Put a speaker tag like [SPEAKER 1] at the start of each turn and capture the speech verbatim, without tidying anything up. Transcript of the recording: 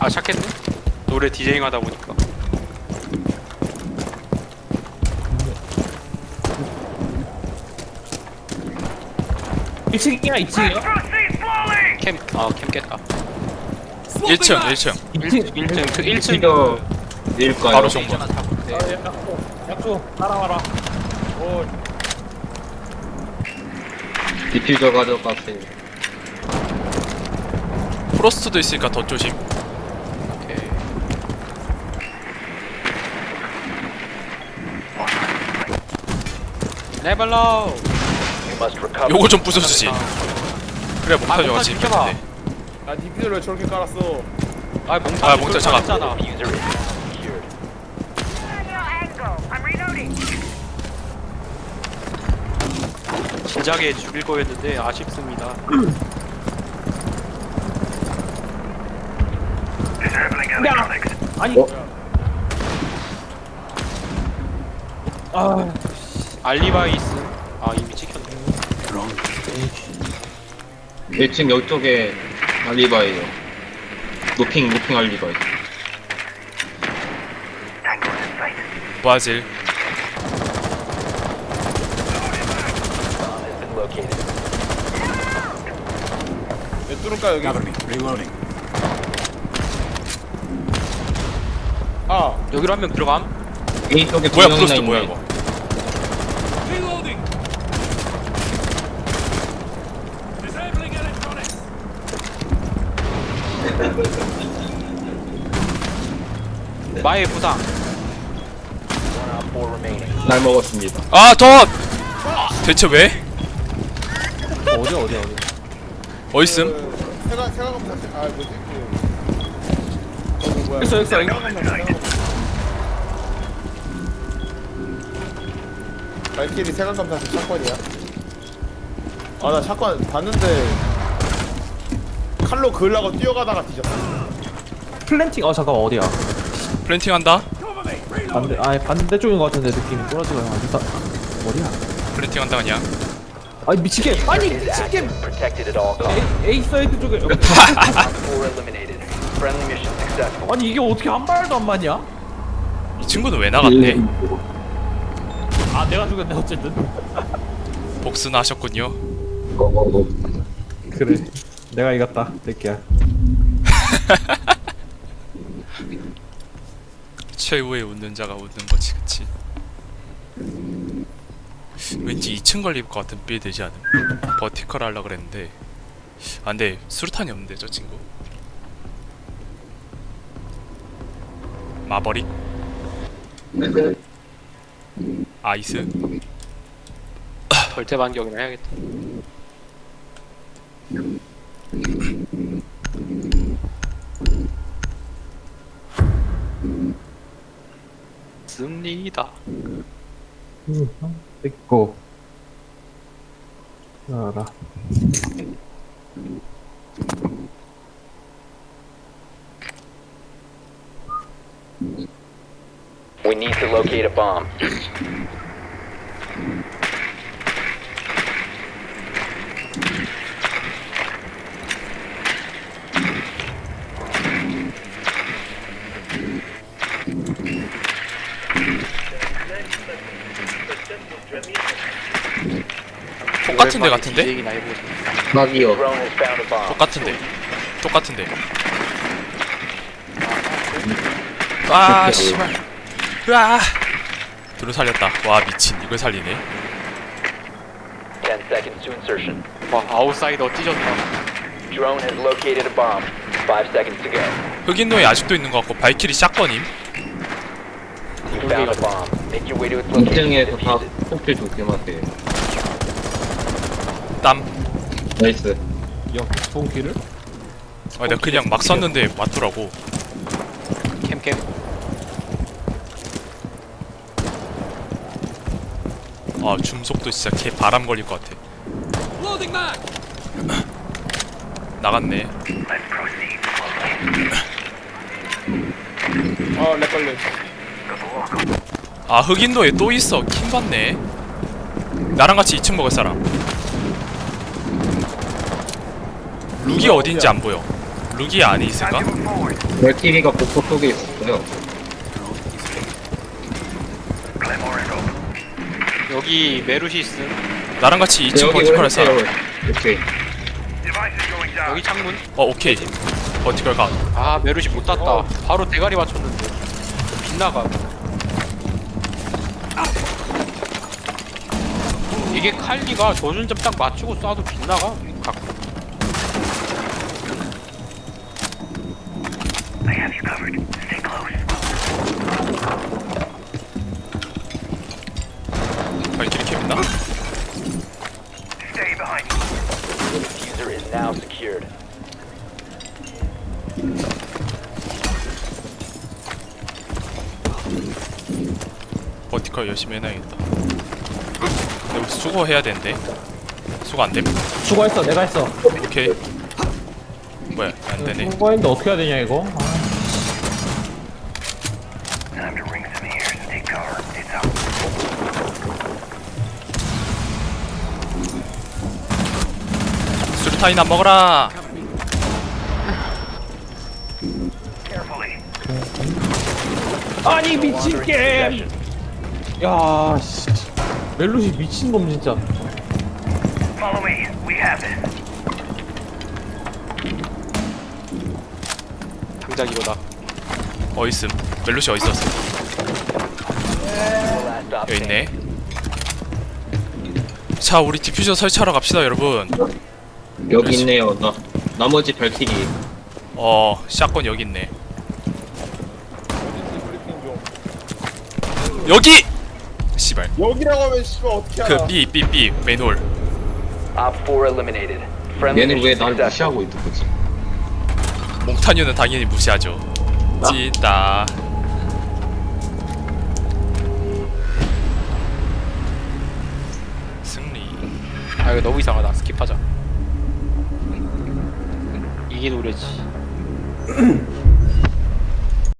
[SPEAKER 1] 아 시작했네? 노래 디제잉 하다 보니까.
[SPEAKER 2] 일 층이야 이 층이야?
[SPEAKER 1] 캠, 아 캠 깼다.
[SPEAKER 3] 일 층 일 층
[SPEAKER 2] 이 층
[SPEAKER 1] 일 층 그 일 층
[SPEAKER 4] 이거 일까요?
[SPEAKER 3] 바로 정문.
[SPEAKER 2] 아, 약초 약초 따라와라. 오
[SPEAKER 4] 디퓨저 가져가세요.
[SPEAKER 3] 프로스트도 있으니까 더 조심.
[SPEAKER 1] 오케이. 레벨로.
[SPEAKER 3] 요거 좀 부숴주지. 그래 몽타주가
[SPEAKER 1] 아, 몽타주
[SPEAKER 3] 지금
[SPEAKER 1] 비켜봐.
[SPEAKER 3] 깼는데.
[SPEAKER 2] 나 디퓨저를 왜 저렇게 깔았어?
[SPEAKER 1] 아 몽타.
[SPEAKER 3] 아, 몽타 잠깐.
[SPEAKER 1] 잖아 진작에 죽일 거였는데 아쉽습니다.
[SPEAKER 2] 야! 아니
[SPEAKER 4] 어?
[SPEAKER 2] 아
[SPEAKER 1] 알리바이스. 아 이미 찍혔네.
[SPEAKER 4] 일 층 이쪽에 알리바이요. 노핑 노핑 알리바이.
[SPEAKER 3] 브라질.
[SPEAKER 2] 왜 뚫을까 여기? 아
[SPEAKER 1] 여기로 한 명 들어감?
[SPEAKER 4] A 쪽에 두
[SPEAKER 3] 뭐야
[SPEAKER 4] 명이나
[SPEAKER 3] 프로스트 뭐야
[SPEAKER 4] 있네.
[SPEAKER 3] 이거.
[SPEAKER 1] 마의 부상.
[SPEAKER 4] 날 먹었습니다.
[SPEAKER 3] 아 덧! 대체 왜?
[SPEAKER 2] 어디 어디 어디?
[SPEAKER 3] 어딨음?
[SPEAKER 5] 세가 세가 검사 아 뭐지 그 어, 뭐야
[SPEAKER 2] 있어 있어
[SPEAKER 5] 세가 검사 세가 검사 발키리 세가 검사 그 샷건이야? 아 나 샷건 봤는데 칼로 그으려고 뛰어가다가 뒤졌어.
[SPEAKER 2] 플랜팅 어 잠깐 어디야?
[SPEAKER 3] 플랜팅 한다?
[SPEAKER 2] 반대 아 반대쪽인 것 같은데 느낌이 꼬라지가 어디다 어디야?
[SPEAKER 3] 플랜팅 한다 그냥.
[SPEAKER 2] 아니 미치게 아니 미치게
[SPEAKER 6] Protected at all costs.
[SPEAKER 2] A, A 사이드 쪽에
[SPEAKER 6] Four eliminated. Friendly mission successful.
[SPEAKER 2] 아니 이게 어떻게 한 발도 안 맞냐?
[SPEAKER 3] 이 친구는 왜 나갔대?
[SPEAKER 2] 아 내가 죽였네 어쨌든.
[SPEAKER 3] 복수나 하셨군요.
[SPEAKER 2] 그래 내가 이겼다 새끼야.
[SPEAKER 3] 최후의 웃는 자가 웃는 거지, 그치? 왠지 이 층 걸릴 것 같은 빌 되지 않음? 버티컬 하려고 그랬는데 아 근데 수류탄이 없는데 저 친구 마버릭? 아이스?
[SPEAKER 1] 절대 반격이나 해야겠다. 씁니다.
[SPEAKER 2] 됐고 알아.
[SPEAKER 6] We need to locate a bomb.
[SPEAKER 3] 똑같은데 같은데?
[SPEAKER 1] 디제잉이나 해보자.
[SPEAKER 4] 막이요.
[SPEAKER 6] Drone has found a bomb.
[SPEAKER 3] 똑같은데 똑같은데 아 씨발 으아 둘을 살렸다. 와 미친 이걸 살리네.
[SPEAKER 6] Ten seconds to insertion.
[SPEAKER 1] 와 아웃사이더 찢었다.
[SPEAKER 6] Drone has located a bomb. Five seconds to go.
[SPEAKER 3] 흑인노예 아직도 있는 것 같고 발키리 샷건임.
[SPEAKER 6] You found a bomb. Make your way to its
[SPEAKER 4] 이
[SPEAKER 6] location and
[SPEAKER 4] 층에서 다
[SPEAKER 6] defuse it.
[SPEAKER 4] 폭질 조심하세요.
[SPEAKER 3] 땀.
[SPEAKER 4] 나이스.
[SPEAKER 2] 역 통키를?
[SPEAKER 3] 아 내가 그냥 막 쐈는데 맞더라고.
[SPEAKER 1] 캠캠.
[SPEAKER 3] 아 줌속도 진짜 개 바람 걸릴 것 같아. 나갔네.
[SPEAKER 5] 아렉 걸려.
[SPEAKER 3] 아 흑인도에 또 있어. 킹 받네. 나랑 같이 이 층 먹을 사람. 룩이 어딘지 안 보여. 룩이 안에 있을까?
[SPEAKER 4] 발키리가 복도 속에 있었어요.
[SPEAKER 1] 여기 메루시스.
[SPEAKER 3] 나랑 같이 이 층
[SPEAKER 4] 여기
[SPEAKER 3] 버티컬 할 사람.
[SPEAKER 4] 오케이.
[SPEAKER 1] 여기 창문.
[SPEAKER 3] 어 오케이. 버티컬 가.
[SPEAKER 1] 아 메루시 못 땄다.
[SPEAKER 5] 어.
[SPEAKER 1] 바로 대가리 맞췄는데 빗나가. 이게 칼리가 조준점 딱 맞추고 쏴도 빗나가. 가끔.
[SPEAKER 3] 발키리 캠 있나?
[SPEAKER 6] Diffuser is now secured.
[SPEAKER 3] 버티컬 열심히 해놔야겠다. 근데 수거 해야 되는데. 수거 안 됨?
[SPEAKER 2] 수고했어 내가 했어.
[SPEAKER 3] 오케이. 뭐야 안 되네.
[SPEAKER 2] 수고했는데 어떻게 해야 되냐 이거. 아.
[SPEAKER 3] 수류탄이나 먹어라.
[SPEAKER 2] 아니 미친 게임. 야 씨. 멜로시 미친놈 진짜.
[SPEAKER 1] 당장 이거다.
[SPEAKER 3] 어있음. 멜로시 어있었어?
[SPEAKER 6] Last stop
[SPEAKER 3] 여기
[SPEAKER 6] standing.
[SPEAKER 3] 있네. 자 우리 디퓨저 설치하러 갑시다 여러분.
[SPEAKER 4] 여기 있네요. 나 나머지 발키리.
[SPEAKER 3] 어 샷건 여기 있네. 여기! 씨발.
[SPEAKER 5] 여기라고 하면 씨발 어떻게 알아?
[SPEAKER 3] 그 B B B 메인홀.
[SPEAKER 6] Op four eliminated. Friendly
[SPEAKER 4] 얘는 왜
[SPEAKER 6] mission
[SPEAKER 4] 날
[SPEAKER 6] successful.
[SPEAKER 4] 무시하고 있는 거지?
[SPEAKER 3] 몽타뉴는 당연히 무시하죠. 찌다. 승리.
[SPEAKER 1] 아 이거 너무 이상하다. 스킵하자. 이게 노래지.